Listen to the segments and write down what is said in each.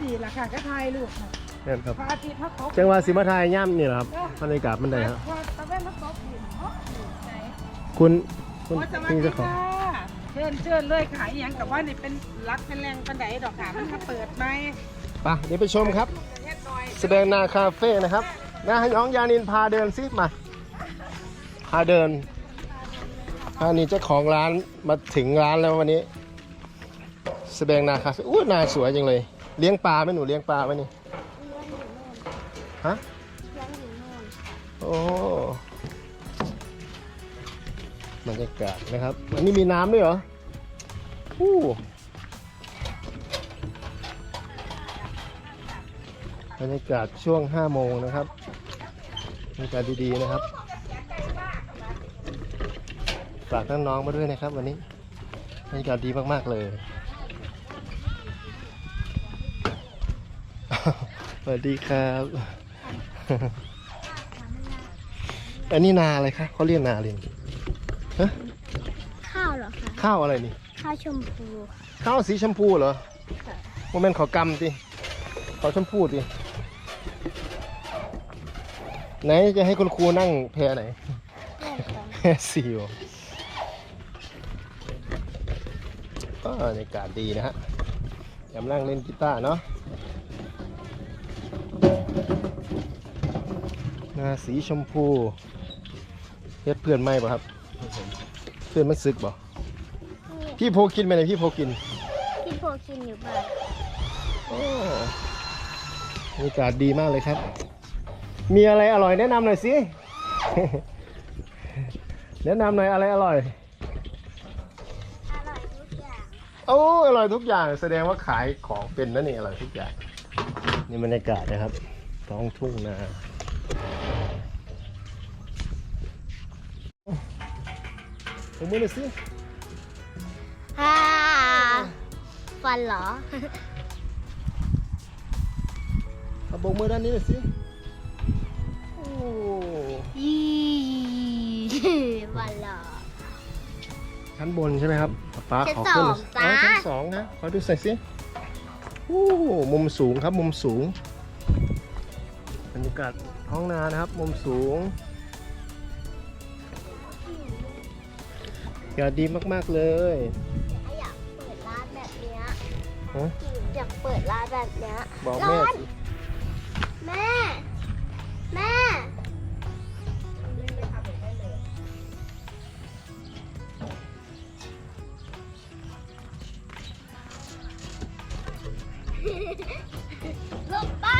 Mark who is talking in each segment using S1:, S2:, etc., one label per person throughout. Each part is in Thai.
S1: ดีล่ะค่ะก็ทายลูกค่ะ
S2: เนี่ยครับ
S1: พระอาทิตย์เขาตก
S2: จังหวะสิมาทายย่ำนี่แหละครับบรรยากาศมันได้ครับ
S1: พอตะเวนเขาตกหินเนาะไหน
S2: คุณ
S1: โอ้สวัส
S2: พี่
S1: ดี
S2: เจ้าของ
S1: ค่ะเชิญเลยขายอย่างกับว่านี่เป็นรักเป็นแรงปันไดดอกค่ะมันมาเปิดไหม
S2: ไปเดี๋ยวไปชมครับ
S1: เฮ็ดหน่อย
S2: แสดงนาคาเฟ่นะครับนะให้น้องยานินพาเดินซิมาพาเดินนี่เจ้าของร้านมาถึงร้านแล้ววันนี้ แสดงนาคาเฟ่อู้นาสวยจังเลยเลี้ยงปลาไหมหนูเลี้ยงปลาไหมนี่ฮะโอ้บรรยากาศนะครับอันนี้มีน้ำด้วยเหรออู้บรรยากาศช่วง5 โมงนะครับบรรยากาศดีๆนะครับฝากน้องๆมาด้วยนะครับวันนี้บรรยากาศดีมากๆเลยสวัสดีครับ อันนี้นาอะไรคะเขาเรียกนาอะไรฮะ
S3: ข้าวเหรอคะ
S2: ข้าวอะไรนี่
S3: ข้าวชมพู
S2: ข้าวสีชมพูเหรอโมเมนต์ขอกำสิขอชมพูสิไหนจะให้คุณครูนั่งแพไหน แพซิวบรรยากาศดีนะฮะกำลังเล่นกีตาร์เนาะนาสีชมพูเฮ็ดเพื่อนไหมบ่ครับเพื่อนมันซึกบ่พี่โพกินไปไหนพี่โพกิน
S3: พี่โพกินอยู่บ้าน
S2: โอ้บรรยากาศดีมากเลยครับ มีอะไรอร่อยแนะนำหน่อยสิ แนะนำหน่อยอะไรอร่อย
S3: อร่อยทุกอย่าง
S2: โอ้อร่อยทุกอย่างแสดงว่าขายของเป็นนั่นนี่อร่อยทุกอย่างนี่บรรยากาศนะครับท้องทุ่งนาผมมือหน่อยสิ
S3: ฮ่าฟันเหรอ
S2: เอาโบกมือด้านนี้หน่อยสิโอ้
S3: ยี่ฟันเหรอ
S2: ชั้นบนใช่ไหมครับป๊าขอขึ้น
S3: ชั้นสองจ้า
S2: ชั้น 2นะขอดูใส่อยสิโอ้มุมสูงครับมุมสูงบรรยากาศท้องนานะครับมุมสูงอากาศดีมากๆเลย
S3: อยากเปิดร้านแบบเนี้ย
S2: ฮะ
S3: อยากเปิดร้านแบบเนี้ย
S2: บอก
S3: ร้
S2: แม่
S3: อน
S2: สิ
S3: แม่ แม่ลงไป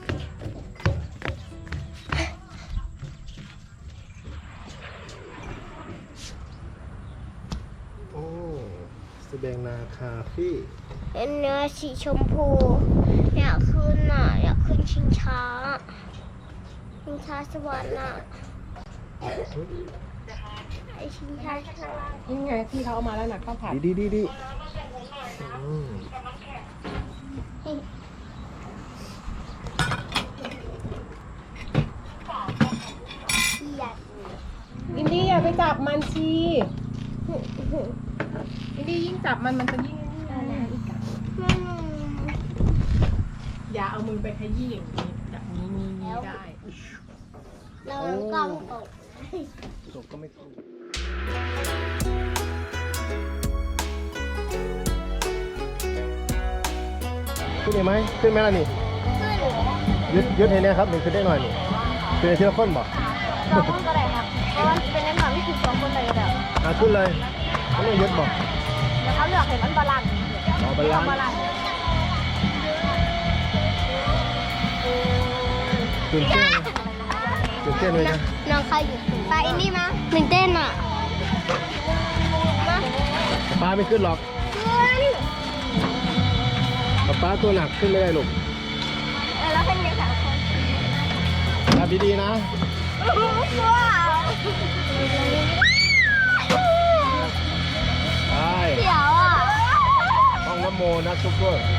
S2: โอ้แสดงนาคาเฟ่
S3: เป็นเนื้อสีชมพู อยากขึ้นอ่ะ อยากขึ้นชิงช้าสวรรค์อ่ะไอชิงช้าสวรรค์
S1: นี่ไงที่เขาเอามาแล้วนะข้าวผัด
S2: ดีอืม
S1: อินดี้อย่าไปจับมันชีอินดี้ยิ่งจับมันจะยิ่งอย่าเอามือไปขยี้อย่างนี้จับนี้ได้
S3: เรากล้องตก
S2: จบก็ไม่ถูกขึ้นได้ไหมขึ้นไหมล่ะนี่ ยึดให้แน่ครับหนึ่งขึ้นได้หน่อยนี่ขึ้นในทีละคนบอก
S3: สองคนก็ได้ครับเพราะว่าเป็นเล่นแบบที่คือสองคนเลยแบบ
S2: ขึ้นเลยไม่ต้องยึดบอก
S3: แล้วเขาเลือกเห็นมันบาลานซ์
S2: รอบาลาน
S3: บาลานซ์
S2: ตื่นเต้นตื่นเต้นเลยนะ
S3: น้องใครอยู่ไปอินดี้มาตื่นเต้นอ่ะมา
S2: ป้าไม่ขึ้นหรอก
S3: ขึ้น
S2: ป้าตัวหนักขึ้นไม่ได้ลูก
S3: แล้วเป็นยังไงคะ
S2: จับดีๆนะ
S3: ว้าว
S2: ไป
S3: เสียวอ่ะ
S2: ห้องน้ำโมนะซุปเปอร์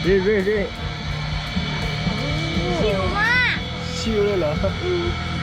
S2: เรื่อย
S3: ชิวมาก
S2: ๆชิวเลยเหรอ